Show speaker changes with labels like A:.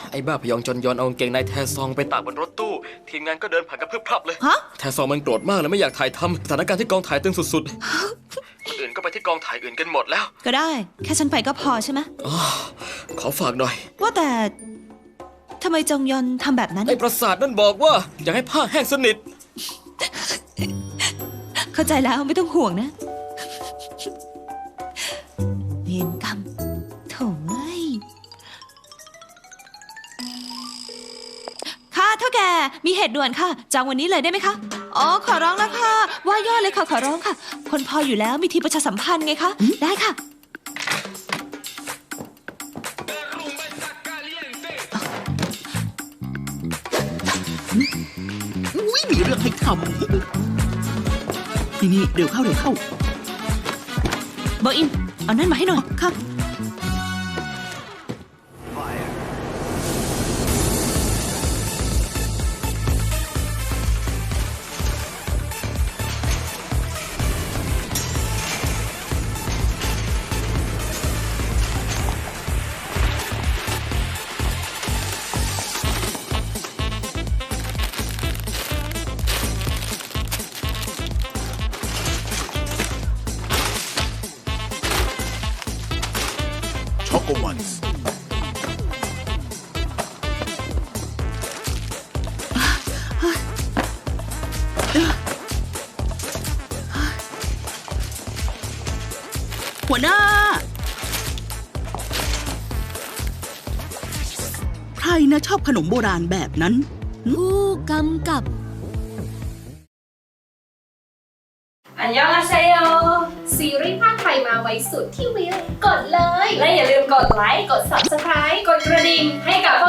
A: ไอ้บ้าพยองจนยอนเอากางเกงในแทซองไปตากบนรถตู้ทีมงานก็เดินผ่านกันพรึบพรับเลย
B: ฮะ
A: แทซองมันโกรธมากเลยไม่อยากถ่ายทำสถานการณ์ที่กองถ่ายตึงสุดๆคนอื่นก็ไปที่กองถ่ายอื่นกันหมดแล้ว
B: ก็ได้ แค่ฉันไปก็พอใช่ไหม
A: ขอฝากหน่อย
B: ว่าแต่ทำไมจงยอนทำแบบนั้น
A: ไอ้ประสาทนั่นบอกว่าอยากให้ผ้าแห้งสนิท
B: เข้าใจแล้วไม่ต้องห่วงนะเวรกรรมโถ่เอ้ยค่ะเท่าแก่มีเหตุด่วนค่ะจองวันนี้เลยได้ไหมคะอ๋อขอร้องแล้วค่ะว่าย่อเลยค่ะขอร้องค่ะ คนพออยู่แล้วมีทีมประชาสัมพันธ์ไงคะได้ค่ะ
C: อุ้ยมีเรื่องให้ทำนี่เดี๋ยวเข้า
B: เบอร์อินเอานั่นมาให้หน่อย
C: ครับ
D: ช็อกโกมันส์
C: หัวหน้า ใครนะชอบขนมโบราณแบบนั้น
B: ผู้กำกับ
E: อันยองอาเซโย
F: ซีรีส์ภาคไทยมาไว้สุดที่วิวกดเลย
E: และอย่าลืมกดไลค์ กด Subscribe กดกระดิ่งให้กับพวก